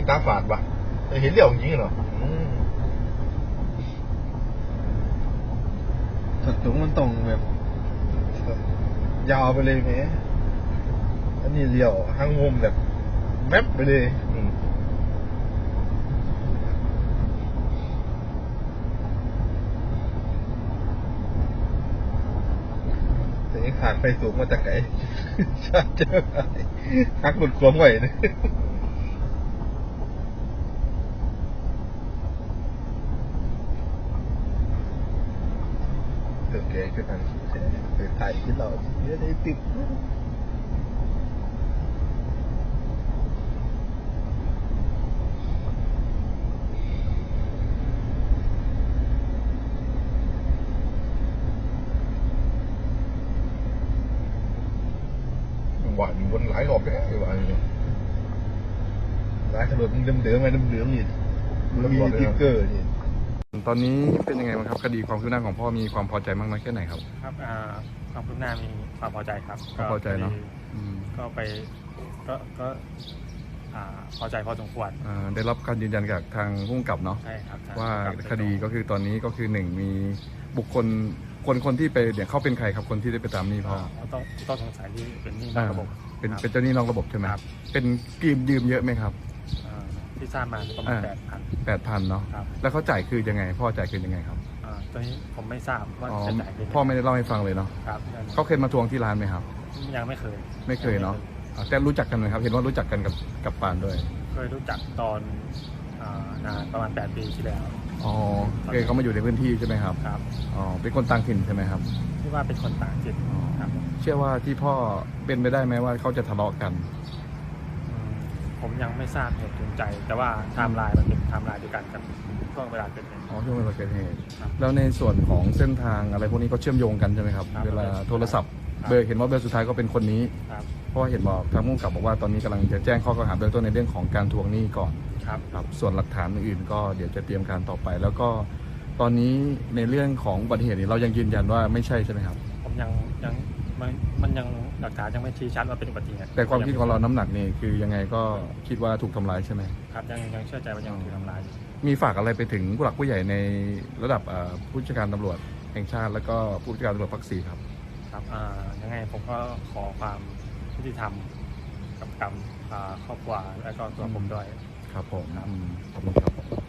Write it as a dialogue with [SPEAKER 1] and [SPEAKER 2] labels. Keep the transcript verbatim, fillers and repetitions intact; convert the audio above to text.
[SPEAKER 1] ตาฝาดว่ะเห็นเรื่องจริงเหรอถดถุงมันตรงแบบยาวไปเลยไหมอันนี้เลี้ยวห้างมุมแบบแมปไปเลยแต่ยังขาดไฟสูงมาจากไหนชาเจอหักหลุดขวมไหวเนี่ยโอเคคือการถ่ายที่เราเยอะได้ติดหวานวนหลายรอบแล้วหวานหลายถนนเดิมเดิมไงเดิมเดิมนี่มีติ๊กเกอร์นี่ตอนนี้เป็นยังไงบ้างครับคดีความคืบหน้าของพ่อมีความพอใจมากน้อยแค่ไหนครับ
[SPEAKER 2] ครับความคืบหน้ามีความพอใจครับ
[SPEAKER 1] พอใจเนาะ
[SPEAKER 2] ก็ไปก็ก็พอใจพอสมควร
[SPEAKER 1] ได้รับการยืนยันจากทางผู้กำกับเนาะ
[SPEAKER 2] ใช่ครับ
[SPEAKER 1] ว่าคดีก็คือตอนนี้ก็คือหนึ่งมีบุคคลคนคนที่ไปเนี่ยเขาเป็นใครครับคนที่ได้ไปตามหนี้พ่อ
[SPEAKER 2] ต้องต้องสงสัยที่เป็นหนี้นอกระบบ
[SPEAKER 1] เป็นเป็นเจ้าหนี้นอกระบบใช่ไหมครับเป็นยืมยืมเยอะไหมครับ
[SPEAKER 2] ที่ทราบมาประมาณแปดพัน
[SPEAKER 1] แปดพันเนาะแล้วเขาจ่ายคือยังไงพ่อจ่ายคือยังไงครับ
[SPEAKER 2] ตอนนี้ผมไม่ทราบว่าจะจ่ายคือ
[SPEAKER 1] พ่อไม่ได้เล่าให้ฟังเลยเนาะเขาเคยมาทวงที่ร้านไหมครับ
[SPEAKER 2] ยังไม่เคย
[SPEAKER 1] ไม่เคยเนาะแต่รู้จักกันไหมครับเห็นว่ารู้จักกันกับกับปานด้วย
[SPEAKER 2] เคยรู้จักตอนนานประมาณแปดปีที่แล้ว
[SPEAKER 1] อ๋อเคยเขามาอยู่ในพื้นที่ใช่ไหมครับ
[SPEAKER 2] ครับ
[SPEAKER 1] อ๋อเป็นคนต่างถิ่นใช่ไหมครับ
[SPEAKER 2] ที่ว่าเป็นคนต่างถิ่นครับ
[SPEAKER 1] เชื่อว่าที่พ่อเป็นไปได้ไหมว่าเขาจะทะเลาะกัน
[SPEAKER 2] ผมยังไม่ทราบเหตุจูงใจแต่ว่าไทม์ไลน์มันเป็นไทม์ไลน์เดียวกันกับช่วงเวลาเกิดเหตุ
[SPEAKER 1] อ๋อช่วงเวลาเกิดเหตุแล้วในส่วนของเส้นทางอะไรพวกนี้ก็เชื่อมโยงกันใช่ไหมครับเวลาโทรศัพท์เบอร์เห็นว่าเบอร์สุดท้ายก็เป็นคนนี้เพราะเห็นบอกทางผู้กำกับบอกว่าตอนนี้กำลังจะแจ้งข้อกล่าวหาเบื้องต้นในเรื่องของการทวงหนี้ก่อน
[SPEAKER 2] ครับ
[SPEAKER 1] ครับส่วนหลักฐานอื่นก็เดี๋ยวจะเตรียมการต่อไปแล้วก็ตอนนี้ในเรื่องของอุบัติเหตุนี้เรายังยืนยันว่าไม่ใช่ใช่ไหมครับ
[SPEAKER 2] ผมยังยังมันมันยังหลักฐานยังไม่ชี้ชัดว่าเป็นอุบัติเหตุ
[SPEAKER 1] แต่ความคิดของเราน้ำหนักนี่คือยังไงก็คิดว่าถูกทำร้ายใช่ไหม
[SPEAKER 2] ครับยังยังเชื่อใจว่ายังถูกทำร้าย
[SPEAKER 1] มีฝากอะไรไปถึงผู้หลักผู้ใหญ่ในระดับผู้จัดการตำรวจแห่งชาติแล้วก็ผู้จัดการตำรวจภาคสี่ครับ
[SPEAKER 2] ครับยังไงผมก็ขอความยุติธรรมกับกับครอบครัวและก็ตัวผมด้วย
[SPEAKER 1] ครับผมขอบคุณครับ